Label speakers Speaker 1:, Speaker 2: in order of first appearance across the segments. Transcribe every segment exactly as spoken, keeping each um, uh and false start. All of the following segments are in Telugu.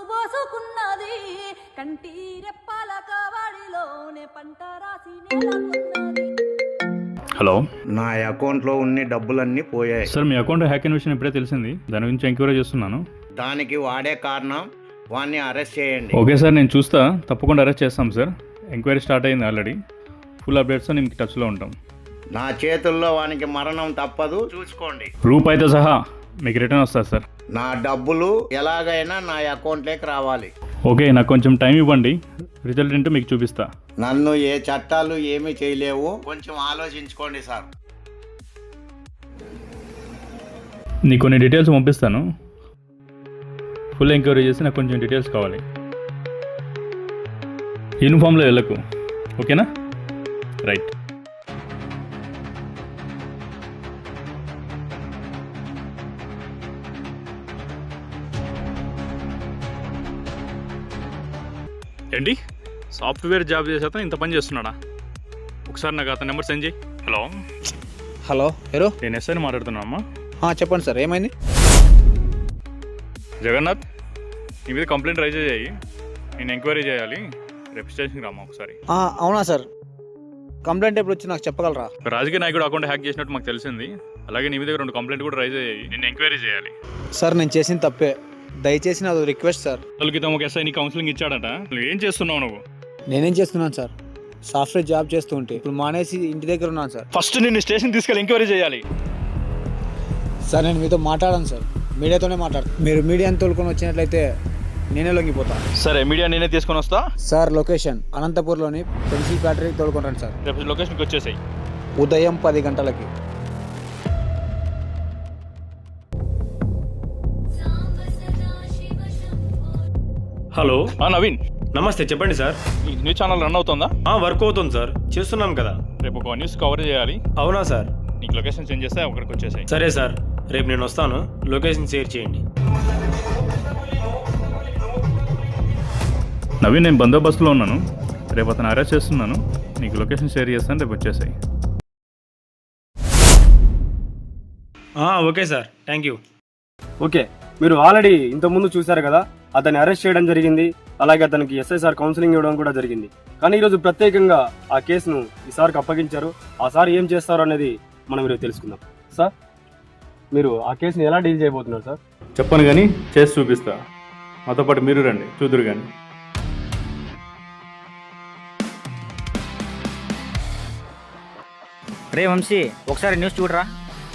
Speaker 1: పోసుకున్నది కంటి రెప్పల కావడిలోనే పంట రాసి నెలకొన్నది.
Speaker 2: హలో,
Speaker 3: నా అకౌంట్లో ఉన్న డబ్బులన్నీ పోయాయి
Speaker 2: సార్. మీ అకౌంట్ హ్యాక్ అయిన విషయం ఇప్పుడే తెలిసింది. దాని గురించి ఎంక్వైరీ చేస్తున్నాను.
Speaker 3: దానికి వాడే కారణం, వాడిని అరెస్ట్ చేయండి.
Speaker 2: ఓకే సార్, నేను చూస్తా. తప్పకుండా అరెస్ట్ చేస్తాం సార్. ఎంక్వైరీ స్టార్ట్ అయింది ఆల్రెడీ. ఫుల్ అప్డేట్స్ మీకు టచ్లో ఉంటాం.
Speaker 3: నా చేతుల్లో వానికి మరణం తప్పదు, చూసుకోండి.
Speaker 2: రూపాయితో సహా మీకు రిటర్న్ వస్తుంది సార్.
Speaker 3: నా డబ్బులు ఎలాగైనా నా అకౌంట్లోకి రావాలి.
Speaker 2: ఓకే, నాకు కొంచెం టైం ఇవ్వండి. రిజల్ట్ ఏంటో మీకు చూపిస్తా.
Speaker 3: నన్ను ఏ చట్టాలు ఏమీ చేయలేవు, కొంచెం ఆలోచించుకోండి సార్.
Speaker 2: నీకు కొన్ని డీటెయిల్స్ పంపిస్తాను. ఫుల్ ఎంక్వైరీ చేసి నాకు కొంచెం డీటెయిల్స్ కావాలి. యూనిఫామ్లో వెళ్ళకు, ఓకేనా? రైట్. ఏంటి, సాఫ్ట్వేర్ జాబ్ చేసే అతను ఇంత పని చేస్తున్నాడా? ఒకసారి నాకు అతని నెంబర్ సెండ్ చేయి. హలో
Speaker 4: హలో, ఎవరు?
Speaker 2: నేను ఎస్ఐని మాట్లాడుతున్నా అమ్మా.
Speaker 4: చెప్పండి సార్, ఏమైంది?
Speaker 2: జగన్నాథ్, నీ మీద కంప్లైంట్ రైజ్ చేయాలి. నేను ఎంక్వైరీ చేయాలి. రేపు స్టేషన్కి రామ్మా ఒకసారి.
Speaker 4: అవునా సార్, కంప్లైంట్ ఎప్పుడు వచ్చి నాకు చెప్పగలరా?
Speaker 2: రాజకీయ నాయకుడు అకౌంట్ హ్యాక్ చేసినట్టు మాకు తెలిసింది. అలాగే నీ మీద రెండు కంప్లైంట్ కూడా రైజ్ అయ్యాయి. నేను ఎంక్వైరీ చేయాలి.
Speaker 4: సార్, నేను చేసిన తప్పే, దయచేసి నాది రిక్వెస్ట్ సార్.
Speaker 2: రోజుల క్రితం ఒక ఎస్ఐ నీ కౌన్సిలింగ్ ఇచ్చాడట. నువ్వు ఏం చేస్తున్నావు? నువ్వు
Speaker 4: నేనేం చేస్తున్నాను సార్, సాఫ్ట్వేర్ జాబ్ చేస్తూ ఉంటే ఇప్పుడు మానేసి ఇంటి దగ్గర ఉన్నాను సార్.
Speaker 2: ఫస్ట్ నిన్ను స్టేషన్ తీసుకెళ్ళి ఎంక్వైరీ చేయాలి.
Speaker 4: సార్, నేను మీతో మాట్లాడాను సార్, మీడియాతోనే మాట్లాడతాను. మీరు మీడియాని తోలుకొని వచ్చినట్లయితే నేనే లొంగిపోతాను.
Speaker 2: సరే, మీడియా నేనే తీసుకొని వస్తా.
Speaker 4: సార్, లొకేషన్ అనంతపూర్లోని పెన్సిల్ ఫ్యాక్టరీకి తోలుకుంటాను సార్.
Speaker 2: రేపు లొకేషన్కి వచ్చేసాయి.
Speaker 4: ఉదయం పది గంటలకి.
Speaker 5: హలో,
Speaker 2: నవీన్,
Speaker 5: నమస్తే. చెప్పండి సార్.
Speaker 2: ఈ న్యూస్ ఛానల్ రన్ అవుతుందా?
Speaker 5: వర్క్ అవుతుంది సార్, చేస్తున్నాం కదా.
Speaker 2: రేపు ఒక న్యూస్ కవర్ చేయాలి.
Speaker 5: అవునా సార్?
Speaker 2: నీకు లొకేషన్ సెండ్ చేస్తే అక్కడికి వచ్చేసాయి.
Speaker 5: సరే సార్, రేపు నేను వస్తాను. లొకేషన్ షేర్ చేయండి.
Speaker 2: నవీన్, నేను బందోబస్తులో ఉన్నాను. రేపు అతను అరెస్ట్ చేస్తున్నాను. నీకు లొకేషన్ షేర్ చేస్తాను. రేపు వచ్చేసాయి.
Speaker 5: Okay sir, thank you.
Speaker 6: Okay, మీరు ఆల్రెడీ ఇంతకుముందు చూశారు కదా, అతన్ని అరెస్ట్ చేయడం జరిగింది. అలాగే అతనికి ఎస్ఐసార్ కౌన్సిలింగ్ ఇవ్వడం కూడా జరిగింది. కానీ ఈరోజు ప్రత్యేకంగా ఆ కేసును ఈ సార్కి అప్పగించారు. ఆ సార్ ఏం చేస్తారు అనేది మనం ఈరోజు తెలుసుకుందాం. సార్, మీరు ఆ కేసుని ఎలా డీల్ చేయబోతున్నారు సార్?
Speaker 2: చెప్పను కానీ చేసి చూపిస్తా. మాతో పాటు మీరు రండి, చూదురు కానీ.
Speaker 7: రే వంశీ, ఒకసారి న్యూస్ చూడరా.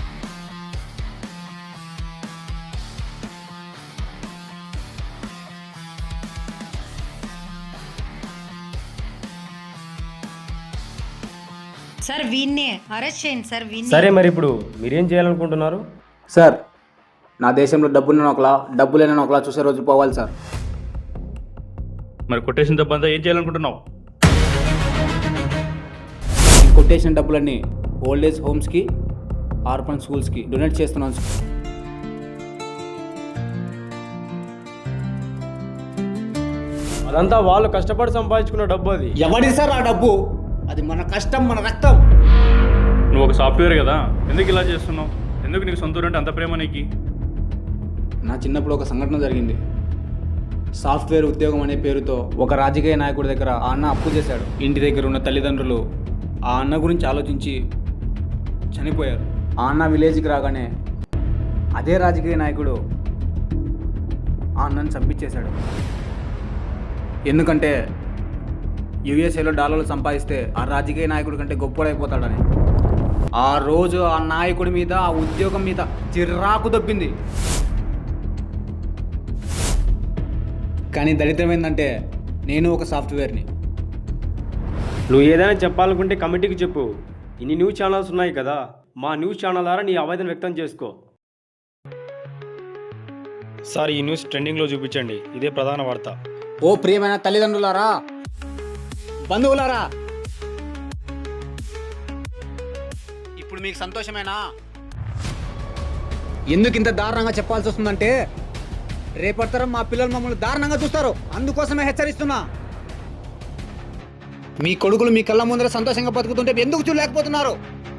Speaker 8: సార్, వీన్నే అరెస్ట్ చేయండి సార్. వీన్నే.
Speaker 6: సరే, మరి ఇప్పుడు మీరేం చేయాలనుకుంటున్నారు?
Speaker 4: సార్, నా దేశంలో డబ్బున్న ఒకలా, డబ్బు లేని ఒకలా చూసే రోజు పోవాలి సార్.
Speaker 2: మరి కొటేషన్ డబ్బు అంతా ఏం చేయాలనుకుంటున్నావు?
Speaker 4: కొటేషన్ డబ్బులన్నీ ఓల్డ్ ఏజ్ హోమ్స్కి, ఆర్ఫన్ స్కూల్స్కి డొనేట్ చేస్తున్నాను సార్.
Speaker 6: అదంతా వాళ్ళు కష్టపడి సంపాదించుకున్న డబ్బు. అది
Speaker 4: ఎవడి సార్ ఆ డబ్బు? అది మన కష్టం, మన రక్తం.
Speaker 2: నువ్వు ఒక సాఫ్ట్వేర్ కదా, ఎందుకు ఇలా చేస్తున్నావు? ఎందుకు నీకు సొంతూరు అంటే అంత ప్రేమ నీకు?
Speaker 4: నా చిన్నప్పుడు ఒక సంఘటన జరిగింది. సాఫ్ట్వేర్ ఉద్యోగం అనే పేరుతో ఒక రాజకీయ నాయకుడి దగ్గర ఆ అన్న అప్పు చేశాడు. ఇంటి దగ్గర ఉన్న తల్లిదండ్రులు ఆ అన్న గురించి ఆలోచించి చనిపోయారు. ఆ అన్న విలేజ్కి రాగానే అదే రాజకీయ నాయకుడు ఆ అన్నను చంపించేశాడు. ఎందుకంటే యుఎస్ఏలో డాలర్లు సంపాదిస్తే ఆ రాజకీయ నాయకుడి కంటే గొప్పడైపోతాడని. ఆ రోజు ఆ నాయకుడి మీద, ఆ ఉద్యోగం మీద చిరాకు దొబ్బింది. కానీ దరిద్రం ఏంటంటే నేను ఒక సాఫ్ట్వేర్ని.
Speaker 6: నువ్వు ఏదైనా చెప్పాలనుకుంటే కమిటీకి చెప్పు. ఇన్ని న్యూస్ ఛానల్స్ ఉన్నాయి కదా, మా న్యూస్ ఛానల్ ద్వారా నీ ఆవేదన వ్యక్తం చేసుకో.
Speaker 5: సార్, ఈ న్యూస్ ట్రెండింగ్లో చూపించండి. ఇదే ప్రధాన వార్త.
Speaker 4: ఓ ప్రియమైన తల్లిదండ్రులారా, బంధువులారా, ఇప్పుడు మీకు సంతోషమేనా? ఎందుకు ఇంత దారుణంగా చెప్పాల్సి వస్తుందంటే, రేపటితరం మా పిల్లలు మమ్మల్ని దారుణంగా చూస్తారు. అందుకోసమే హెచ్చరిస్తున్నా. మీ కొడుకులు మీ కళ్ళ ముందర సంతోషంగా బతుకుతుంటే ఎందుకు చూడలేకపోతున్నారు?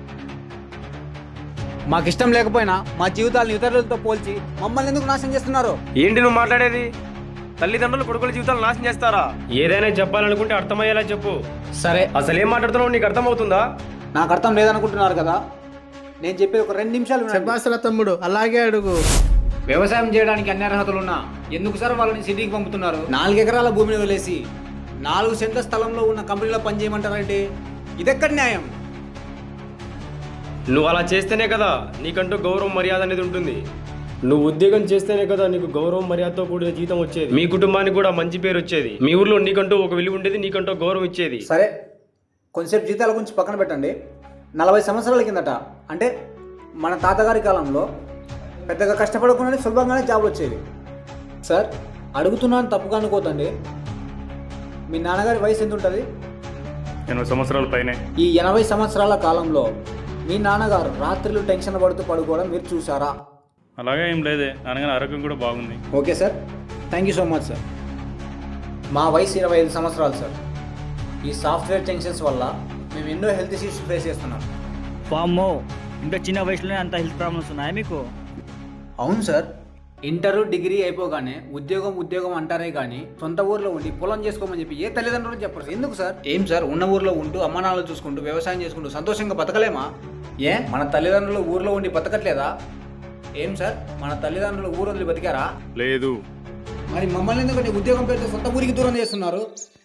Speaker 4: మాకు ఇష్టం లేకపోయినా మా జీవితాలను ఇతరులతో పోల్చి మమ్మల్ని ఎందుకు నాశనం చేస్తున్నారు?
Speaker 6: ఏంటి నువ్వు మాట్లాడేది? తల్లిదండ్రులు కొడుకుల జీవితాలు నాశనం చేస్తారా? ఏదైనా చెప్పాలనుకుంటే అర్థమయ్యేలా చెప్పు.
Speaker 4: సరే,
Speaker 6: అసలు ఏం మాట్లాడుతున్నావు నీకు అర్థమవుతుందా?
Speaker 4: నాకు అర్థం లేదనుకుంటున్నారు కదా, నేను చెప్పేది ఒక రెండు నిమిషాలు వినండి.
Speaker 9: చెప్పాసల తమ్ముడు అలాగే అడుగు.
Speaker 4: వ్యవసాయం చేయడానికి అన్ని అర్హతలున్నా ఎందుకు సార్ వాళ్ళని సిటీకి పంపుతున్నారు? నాలుగు ఎకరాల భూమిని వదిలేసి నాలుగు సెంట్ల స్థలంలో ఉన్న కంపెనీలో పనిచేయమంటారంటే ఇదెక్కడి న్యాయం?
Speaker 6: నువ్వు అలా చేస్తేనే కదా నీకంటూ గౌరవం మర్యాద అనేది ఉంటుంది. నువ్వు ఉద్యోగం చేస్తేనే కదా నీకు గౌరవం మర్యాదతో కూడిన జీతం వచ్చేది, మీ కుటుంబానికి కూడా మంచి పేరు వచ్చేది, మీ ఊర్లో నీకంటూ ఒక విలువ ఉండేది, నీకంటూ గౌరవం ఇచ్చేది.
Speaker 4: సరే, కొంచెంసేపు జీతాల గురించి పక్కన పెట్టండి. నలభై సంవత్సరాల కిందట అంటే మన తాతగారి కాలంలో పెద్దగా కష్టపడకుండానే సులభంగానే జాబ్ వచ్చేది. సార్, అడుగుతున్నాను తప్పుగా అనుకోతండి, మీ నాన్నగారి వయసు ఎంత ఉంటుంది?
Speaker 2: ఎనభై సంవత్సరాల పైనే.
Speaker 4: ఈ ఎనభై సంవత్సరాల కాలంలో మీ నాన్నగారు రాత్రులు టెన్షన్ పడుతూ పడుకోవడం మీరు చూసారా?
Speaker 2: అలాగే ఏం లేదే, నాన్నగారి ఆరోగ్యం కూడా బాగుంది.
Speaker 4: Okay sir, thank you so much sir. మా వయసు ఇరవై ఐదు సంవత్సరాలు సార్. ఈ సాఫ్ట్వేర్ టెన్షన్స్ వల్ల మేము ఎన్నో హెల్త్ ఇష్యూస్ ఫేస్ చేస్తున్నాం.
Speaker 7: వామ్మో, ఇంత చిన్న వయసులోనే అంత హెల్త్ ప్రాబ్లమ్స్ ఉన్నాయా మీకు?
Speaker 4: అవును సార్, ఇంటర్ డిగ్రీ అయిపోగానే ఉద్యోగం ఉద్యోగం అంటారే కానీ సొంత ఊర్లో ఉండి పొలం చేసుకోమని చెప్పి ఏ తల్లిదండ్రులు చెప్పరు. ఎందుకు సార్? ఏం సార్, ఉన్న ఊర్లో ఉంటూ అమ్మానాలు చూసుకుంటూ వ్యవసాయం చేసుకుంటూ సంతోషంగా బతకలేమా? ఏ మన తల్లిదండ్రులు ఊర్లో ఉండి బతకట్లేదా? ఏం సార్, మన తల్లిదండ్రులు ఊరు వదిలి బతికారా?
Speaker 2: లేదు.
Speaker 4: మరి మమ్మల్ని ఎందుకంటే ఉద్యోగం పేరుతో సొంత ఊరికి దూరం చేస్తున్నారు?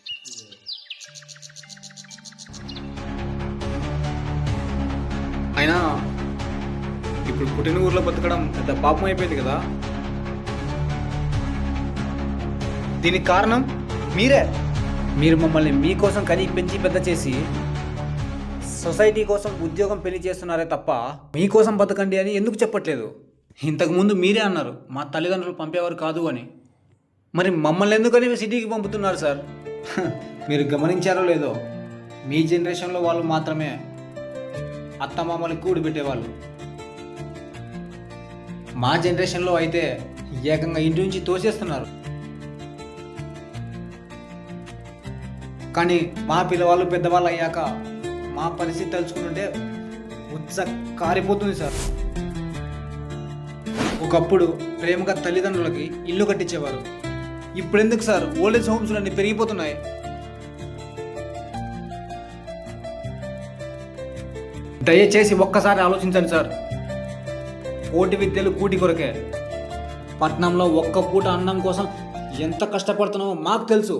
Speaker 4: అయినా ఇప్పుడు పుట్టిన ఊర్లో బతకడం పెద్ద పాపం అయిపోయింది కదా. దీనికి కారణం మీరే. మీరు మమ్మల్ని మీకోసం కని పెంచి పెద్ద చేసి సొసైటీ కోసం ఉద్యోగం పెళ్లి చేస్తున్నారే తప్ప మీకోసం బతకండి అని ఎందుకు చెప్పట్లేదు? ఇంతకుముందు మీరే అన్నారు మా తల్లిదండ్రులు పంపేవారు కాదు అని. మరి మమ్మల్ని ఎందుకని సిటీకి పంపుతున్నారు సార్? మీరు గమనించారో లేదో, మీ జనరేషన్లో వాళ్ళు మాత్రమే అత్తమామలకి కూడి పెట్టేవాళ్ళు. మా జనరేషన్లో అయితే ఏకంగా ఇంటి నుంచి తోసేస్తున్నారు. కానీ మా పిల్లవాళ్ళు పెద్దవాళ్ళు అయ్యాక మా పరిస్థితి తలుచుకుంటుంటే ఉత్స కారిపోతుంది సార్. ఒకప్పుడు ప్రేమగా తల్లిదండ్రులకి ఇల్లు కట్టించేవారు. ఇప్పుడు ఎందుకు సార్ ఓల్డేజ్ హోమ్స్ అన్ని పెరిగిపోతున్నాయి? దయచేసి ఒక్కసారి ఆలోచించండి సార్. కోటి విద్యలు కూటి కొరకే. పట్నంలో ఒక్క పూట అన్నం కోసం ఎంత కష్టపడుతున్నామో మాకు తెలుసు.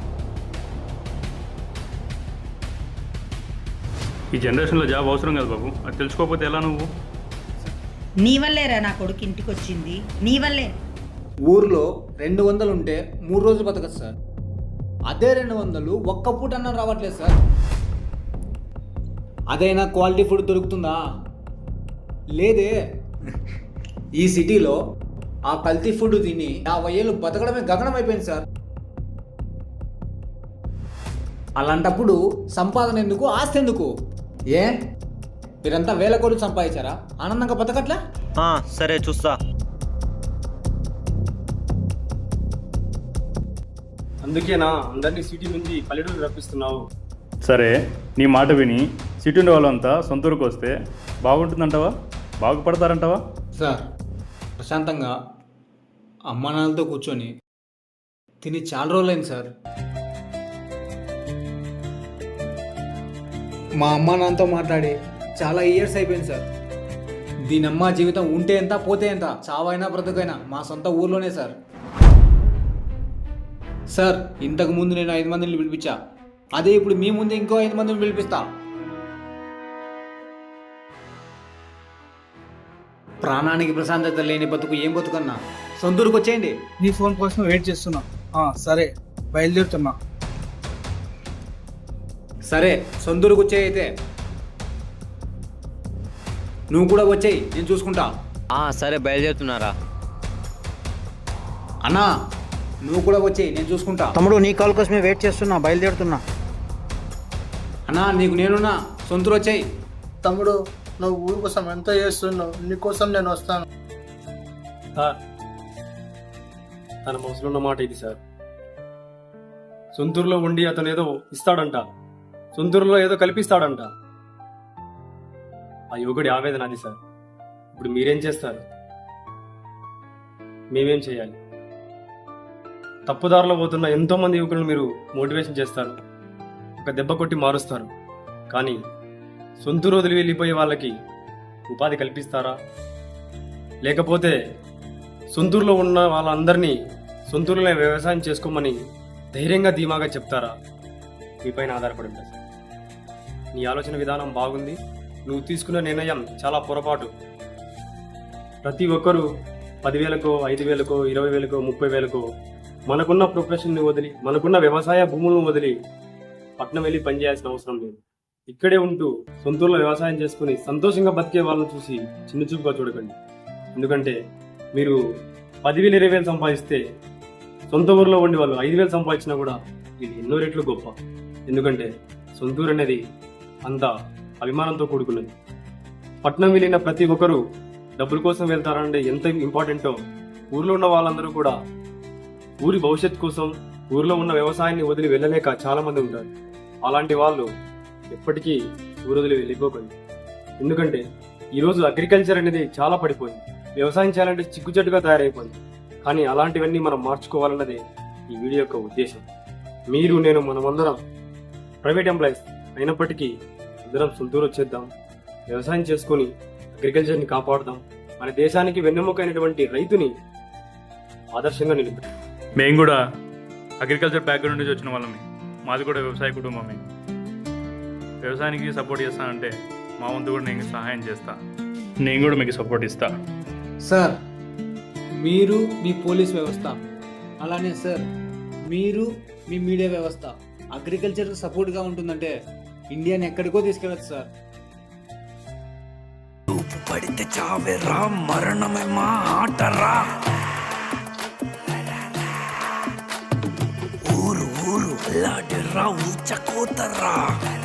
Speaker 2: ఈ జనరేషన్లో జాబ్ అవసరం కదా బాబు, అది తెలుసుకోకపోతే ఎలా నువ్వు?
Speaker 8: నీ వల్లేరా నా కొడుకు ఇంటికి వచ్చింది, నీ వల్లే.
Speaker 4: ఊర్లో రెండు వందలు ఉంటే మూడు రోజులు బతకదు సార్. అదే రెండు వందలు ఒక్క పూట అన్నం రావట్లేదు సార్. అదైనా క్వాలిటీ ఫుడ్ దొరుకుతుందా? లేదే. ఈ సిటీలో ఆ కల్తీ ఫుడ్ తిని యాభై ఏళ్ళు బతకడమే గగనం అయిపోయింది సార్. అలాంటప్పుడు సంపాదన ఎందుకు, ఆస్తి ఎందుకు? ఏ మీరంతా వేల కోట్లు సంపాదించారా? ఆనందంగా బతకట్లా?
Speaker 7: సరే చూస్తా.
Speaker 6: అందుకేనా అందరినీ సిటీ నుంచి పల్లెటూరు రప్పిస్తున్నావు?
Speaker 2: సరే, నీ మాట విని సిటీ ఉండే వాళ్ళంతా సొంత ఊరికి వస్తే బాగుంటుందంటావా? బాగుపడతారంటావా?
Speaker 4: సార్, ప్రశాంతంగా అమ్మా నాన్నలతో కూర్చొని తిని చాలా రోజులైంది సార్. మా అమ్మా నాన్నతో మాట్లాడి చాలా ఇయర్స్ అయిపోయింది సార్. దీని అమ్మ జీవితం ఉంటే ఎంత పోతే ఎంత, చావైనా బ్రతుకైనా మా సొంత ఊర్లోనే సార్. సార్, ఇంతకు ముందు నేను ఐదు మందిని పిలిపించా, అదే ఇప్పుడు మీ ముందు ఇంకో ఐదు మందిని పిలిపిస్తా. ప్రాణానికి ప్రశాంతత లేని బతుకు ఏం బతుకన్నా? సొంతూరుకు వచ్చేయండి.
Speaker 9: నీ ఫోన్ కోసం వెయిట్ చేస్తున్నా. ఆ, సరే బయలుదేరుతున్నా.
Speaker 4: సరే, సొంతూరుకు వచ్చేయి. అయితే నువ్వు కూడా వచ్చేయి, నేను చూసుకుంటా.
Speaker 7: సరే బయలుదేరుతున్నారా?
Speaker 4: అన్నా, నువ్వు కూడా వచ్చేయి, నేను చూసుకుంటా.
Speaker 7: తమ్ముడు, నీ కాల్ కోసమే వెయిట్ చేస్తున్నా, బయలుదేరుతున్నా.
Speaker 4: అన్నా, నీకు నేనున్నా, సొంతూరు వచ్చేయి.
Speaker 9: తమ్ముడు, నువ్వు ఊరి కోసం ఎంత చేస్తున్నావు, నీకోసం నేను వస్తాను.
Speaker 6: సార్, తన మనసులో ఉన్న మాట ఇది సార్. సొంతూరులో ఉండి అతను ఏదో ఇస్తాడంట, సొంతూరులో ఏదో కల్పిస్తాడంట. ఆ యువకుడి ఆవేదన అది సార్. ఇప్పుడు మీరేం చేస్తారు? మేమేం చేయాలి? తప్పుదారిలో పోతున్న ఎంతో మంది యువకులను మీరు మోటివేషన్ చేస్తారు, ఒక దెబ్బ కొట్టి మారుస్తారు. కానీ సొంతూరు వదిలి వెళ్ళిపోయే వాళ్ళకి ఉపాధి కల్పిస్తారా? లేకపోతే సొంతూరులో ఉన్న వాళ్ళందరినీ సొంతూరులో వ్యవసాయం చేసుకోమని ధైర్యంగా ధీమాగా చెప్తారా? మీపైన ఆధారపడి ఉంటుంది. నీ ఆలోచన విధానం బాగుంది, నువ్వు తీసుకున్న నిర్ణయం చాలా పొరపాటు. ప్రతి ఒక్కరూ పదివేలకో ఐదు వేలకో ఇరవై వేలకో ముప్పై వేలకో మనకున్న ప్రొఫెషన్ని వదిలి మనకున్న వ్యవసాయ భూములను వదిలి పట్నం వెళ్ళి పనిచేయాల్సిన అవసరం లేదు. ఇక్కడే ఉంటూ సొంతూరులో వ్యవసాయం చేసుకుని సంతోషంగా బతికే వాళ్ళని చూసి చిన్నచూపుగా చూడకండి. ఎందుకంటే మీరు పదివేలు ఇరవై వేలు సంపాదిస్తే సొంత ఊరిలో ఉండి వాళ్ళు ఐదు వేలు సంపాదించినా కూడా ఇది ఎన్నో రెట్లు గొప్ప. ఎందుకంటే సొంతూరు అనేది అంత అభిమానంతో కూడుకున్నది. పట్నం వెళ్ళిన ప్రతి ఒక్కరూ డబ్బుల కోసం వెళ్తారంటే ఎంత ఇంపార్టెంటో ఊర్లో ఉన్న వాళ్ళందరూ కూడా ఊరి భవిష్యత్ కోసం ఊరిలో ఉన్న వ్యవసాయాన్ని వదిలి వెళ్ళలేక చాలా మంది ఉంటారు. అలాంటి వాళ్ళు ఎప్పటికీ ఊరు వదిలి వెళ్ళిపోకండి. ఎందుకంటే ఈరోజు అగ్రికల్చర్ అనేది చాలా పడిపోయింది, వ్యవసాయం చేయాలంటే చిక్కుచెట్టుగా తయారైపోయింది. కానీ అలాంటివన్నీ మనం మార్చుకోవాలన్నదే ఈ వీడియో యొక్క ఉద్దేశం. మీరు నేను మనమందరం ప్రైవేట్ ఎంప్లాయీస్ అయినప్పటికీ అందరం సొంతూరు వచ్చేద్దాం, వ్యవసాయం చేసుకొని అగ్రికల్చర్ని కాపాడుదాం, మన దేశానికి వెన్నెముకైనటువంటి రైతుని ఆదర్శంగా నిలుపుతాం.
Speaker 2: మేము కూడా అగ్రికల్చర్ బ్యాక్గ్రౌండ్ నుంచి వచ్చిన వాళ్ళమే, మాది కూడా వ్యవసాయ కుటుంబమే. వ్యవసాయానికి సపోర్ట్ చేస్తానంటే మా వంతు కూడా నేను సహాయం చేస్తా, నేను కూడా మీకు సపోర్ట్ ఇస్తా.
Speaker 4: సార్, మీరు మీ పోలీస్ వ్యవస్థ, అలానే సార్ మీరు మీ మీడియా వ్యవస్థ అగ్రికల్చర్కి సపోర్ట్గా ఉంటుందంటే ఇండియాని ఎక్కడికో తీసుకెళ్ళచ్చు సార్.
Speaker 10: పడితే చావేరా, మరణమే మా ఆటరా. ఊరు ఊరు లాడరా, ఊచకోతరా.